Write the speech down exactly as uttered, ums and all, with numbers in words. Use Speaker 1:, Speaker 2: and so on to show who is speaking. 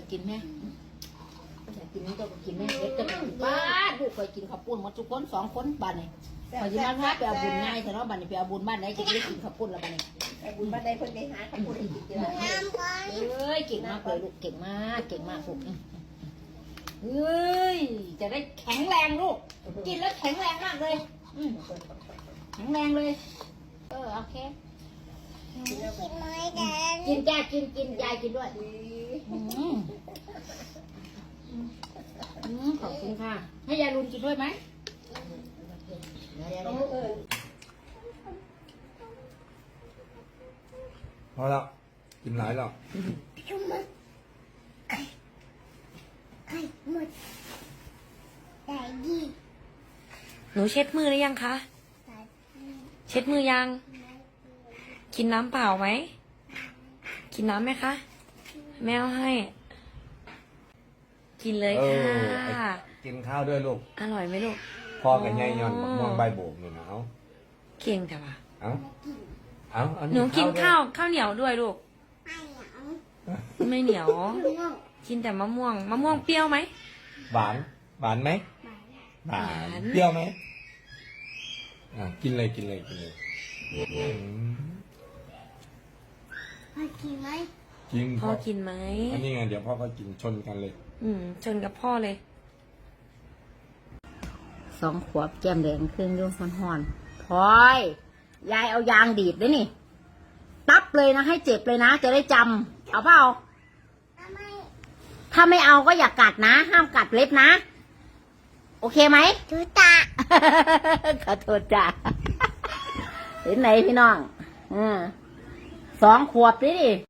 Speaker 1: กินแม่อยากกินนี่ก็กินแม่เด็กจะไปบ้านลูกเคยกินข้าวปุ้นมาทุกคนสองคนบ้านนี่พอจะมาพาไปเอาบุญง่ายแต่เนาะบ้านนี่ไปเอาบุญบ้านไหนจะได้กินข้าวปุ้นละบ้านนี่
Speaker 2: บุญบ้านใดคนใดหาข้าวปุ้นให้กินเยอะ
Speaker 1: เอ้ยเก่งมากเลยลูกเก่งมากเก่งมากลูกเฮ้ยจะได้แข็งแรงลูกกินแล้วแข็งแรงมากเลยแข็งแรงเลยเออโอเคกินจ้ากินกินยายกินด้วยขอบคุณค่ะให้ยายรุนกินด้วยไหม
Speaker 3: พอแล้วกินหลายแล้ว
Speaker 4: หนูเช็ดมือหรือยังคะ เช็ดมือยัง กินน้ำเปล่าไหม กินน้ำไหมคะ แมวให้ กินเลยค่ะ
Speaker 3: กินข้าวด้วยลูก
Speaker 4: อร่อยไหมลูก
Speaker 3: พ่อกับยายย้อนบักม่วงใบโบกนี่นะเอา
Speaker 4: เก่งแต่ว่า
Speaker 3: เอาเอาเอา
Speaker 4: หนูกินข้าวข้าวเหนียวด้วยลูก ไม่เหนียว กินแต่มะม่วง มะม่วงเปรี้ยวไหม
Speaker 3: หวาน หวานไหมหวา
Speaker 4: หวาน
Speaker 3: น เปรี้ยวไหมอ่ะกินเลยกินเลยกินเลยกิน
Speaker 4: พ่อกินไหม
Speaker 3: อันนี้ไงเดี๋ยวพ่อก็กินชนกันเลย
Speaker 4: อืมชนกับพ่อเลย
Speaker 1: สองขวบแก้มแดงเครื่องยุ่งห่อนๆพลอยยายเอายางดีดด้วยนี่ตับเลยนะให้เจ็บเลยนะจะได้จำเอาเปล่าถ้าไม่เอาก็อย่ากัดนะ ห้ามกัดเล็บนะ โอเคไหมทุตา ขอโทษจ้ะเห็นไหนพี่น้องอืมสองขวบดิดิ